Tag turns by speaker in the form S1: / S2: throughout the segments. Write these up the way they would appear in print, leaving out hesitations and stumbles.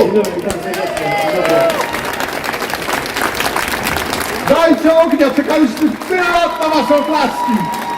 S1: Dzień dobry, witam serdecznie. Dzień dobry.
S2: Dajcie ognia, czekaliśmy tyle lat na waszą klaski!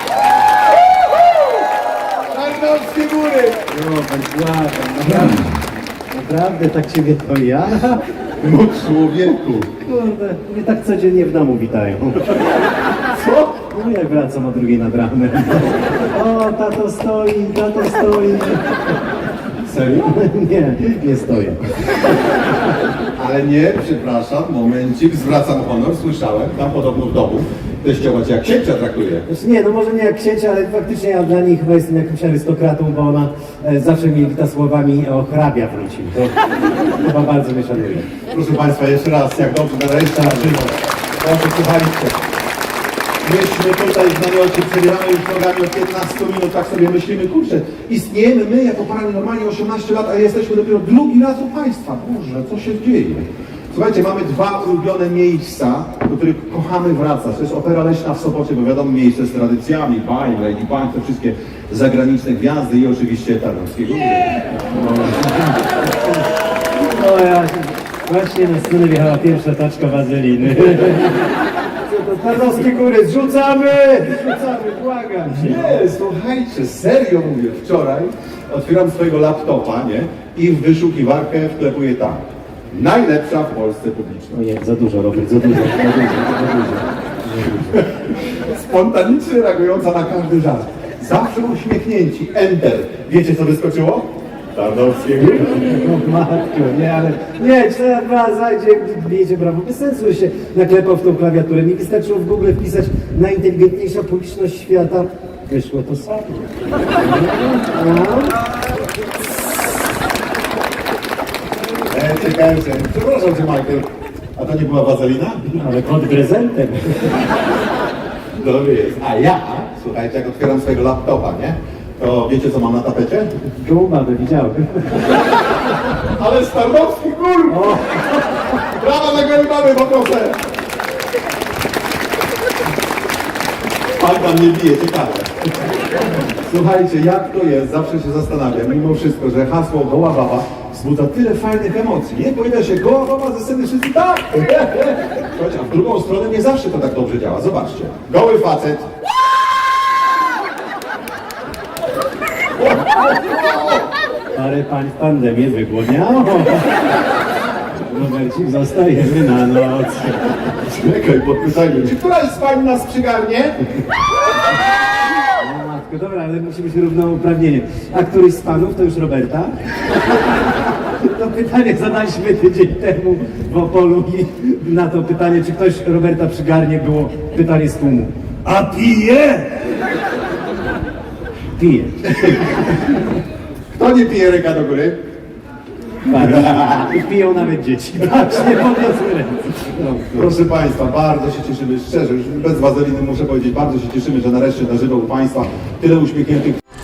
S2: Tarnowskie Góry!
S1: No, pan błagam, naprawdę tak ciebie to ja?
S2: No człowieku!
S1: Kurde, mnie tak codziennie w domu witają.
S2: Co?
S1: No jak wracam o 2 nad ranem. O, tato stoi, tato stoi.
S2: Serio?
S1: Nie stoję.
S2: Ale nie, przepraszam, momencik, zwracam honor, słyszałem, tam podobno w domu teściowa cię jak księcia traktuje.
S1: Znaczy nie, no może nie jak księcia, ale faktycznie ja dla niej chyba jestem jakimś arystokratą, bo ona zawsze mnie wita słowami o hrabia wrócił. To chyba bardzo mnie szanuje.
S2: Proszę Państwa, jeszcze raz, jak dobrze nareszcie na żywo. Proszę, słuchajcie. Myśmy tutaj w namiocie przebieramy już nogami od 15 minut, tak sobie myślimy, kurczę, istniejemy my jako paranormalnie 18 lat, a jesteśmy dopiero drugi raz u Państwa. Boże, co się dzieje? Słuchajcie, mamy 2 ulubione miejsca, do których kochamy wracać. To jest Opera Leśna w Sopocie, bo wiadomo, miejsce z tradycjami, Bajm, Lady Bang, te wszystkie zagraniczne gwiazdy i oczywiście Tarnowskie Góry.
S1: No ja właśnie na scenę wjechała pierwsza taczka wazeliny. Co to Tarnowskie Góry, zrzucamy, błagam cię.
S2: Nie, słuchajcie, serio mówię, wczoraj otwieram swojego laptopa, nie? I w wyszukiwarkę wklepuję tam. Najlepsza w Polsce publiczność.
S1: Ojej, za dużo, Robert, za dużo.
S2: Spontanicznie reagująca na każdy żart. Zawsze uśmiechnięci. Enter. Wiecie, co wyskoczyło? Tarnowskie Góry.
S1: No matko, nie, ale nie, 4-2 zajdzie, bijecie brawo, bez sensu, że się naklepał w tą klawiaturę. Mi wystarczyło w Google wpisać najinteligentniejsza publiczność świata. Wyszło to samo. No.
S2: Czekałem się. Przepraszam cię, Michael. A to nie była wazelina?
S1: Ale pod prezentem.
S2: Dobry jest. A ja, słuchajcie, jak otwieram swojego laptopa, nie? To wiecie, co mam na tapecie?
S1: Guma, by widziałem.
S2: Ale z Tarnowskich Gór!
S1: O,
S2: Brawa dla góry mamy, poproszę! Pan tam nie bije, ciekawe. Słuchajcie, jak to jest, zawsze się zastanawiam, mimo wszystko, że hasło goła baba wzbudza tyle fajnych emocji, nie? Pojawia się goła baba ze sceny, wszyscy tak! Słuchajcie, a w drugą stronę nie zawsze to tak dobrze działa, zobaczcie. Goły facet.
S1: parę pań w pandemię wygłodniało. Robercik, zostajemy na noc.
S2: Czekaj, podpytajmy. Czy która jest pani nas przygarnie?
S1: No matko, dobra, ale musi być równouprawnienie. A któryś z panów to już Roberta? To pytanie zadaliśmy tydzień temu w Opolu i na to pytanie, czy ktoś Roberta przygarnie, było pytanie z tłumu. A pije? Pije.
S2: Kto nie pije, ręka do góry?
S1: Patrz, i piją nawet dzieci. Patrz, nie podniosły ręce. No,
S2: Proszę Państwa, bardzo się cieszymy, szczerze, już bez wazeliny muszę powiedzieć, bardzo się cieszymy, że nareszcie na żywo u Państwa tyle uśmiechniętych